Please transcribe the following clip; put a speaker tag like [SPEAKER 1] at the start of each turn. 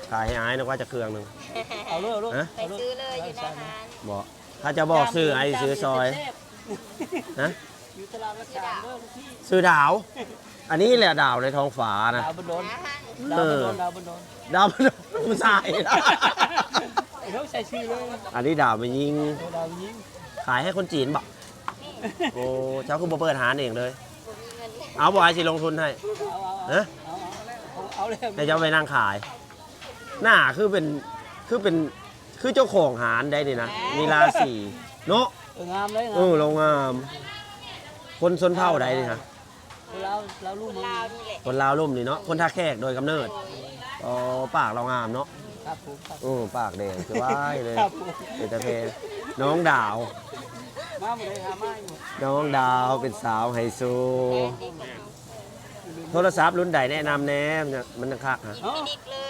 [SPEAKER 1] ขายให้อายนึกว่าจะเครื่องหนึง
[SPEAKER 2] เอาลูกเอาลูก
[SPEAKER 1] ฮะ
[SPEAKER 3] ไปซื้อเลยอยู่หน้าร้าน
[SPEAKER 1] บอกถ้าจะบอกซื้อไอซื้อซอยนะ
[SPEAKER 2] อยู่ตลาดราชาเด้อพี่
[SPEAKER 1] ซื้อดาว อันนี้แหละดาวในท้องฟ้านะ
[SPEAKER 2] ดาวบนโดน
[SPEAKER 3] นะฮะ
[SPEAKER 2] ดาวบนโดน
[SPEAKER 1] ดาวผู้ชาย
[SPEAKER 2] ไอ้เขาใส่ชื่อเลย
[SPEAKER 1] อันนี้ดาวไปยิง
[SPEAKER 2] ดาวยิง
[SPEAKER 1] ขายให้คนจีนบอกโอ้เจ้าคือบ่เปิดหาเองเลย
[SPEAKER 3] ผมมีเงิน
[SPEAKER 1] เอาบ่ไอสิลงทุนให้
[SPEAKER 2] เอา
[SPEAKER 1] ฮะ
[SPEAKER 2] เอาเลย
[SPEAKER 1] แต่เจ้าไปนั่งขาย หน้าคือเป็นคือเจ้าของหารได้ดินะมีราศีเนาะ
[SPEAKER 2] งามเลย
[SPEAKER 1] โรงงาม คนชนเผ่าใดนี่ฮะ
[SPEAKER 2] เราลูกมึง
[SPEAKER 3] ลาวนี่แหละ
[SPEAKER 1] คนลาวลุ่มนี่เนาะคนท่าแขกโดยกำเนิดอ๋อปากเรางามเนาะ
[SPEAKER 2] ครับผมครับ
[SPEAKER 1] ปากแดงคือว่ายเลย
[SPEAKER 2] ครับผม
[SPEAKER 1] เป็นตะเพน้องดาว
[SPEAKER 2] มาหมดเลยหามาอยู่
[SPEAKER 1] น้องดาวเป็นสาวไฮโซโทรศัพท์รุ่นใดแนะนำแน่มันจะคักฮะ
[SPEAKER 2] เนาะ
[SPEAKER 3] ฟินิกเลย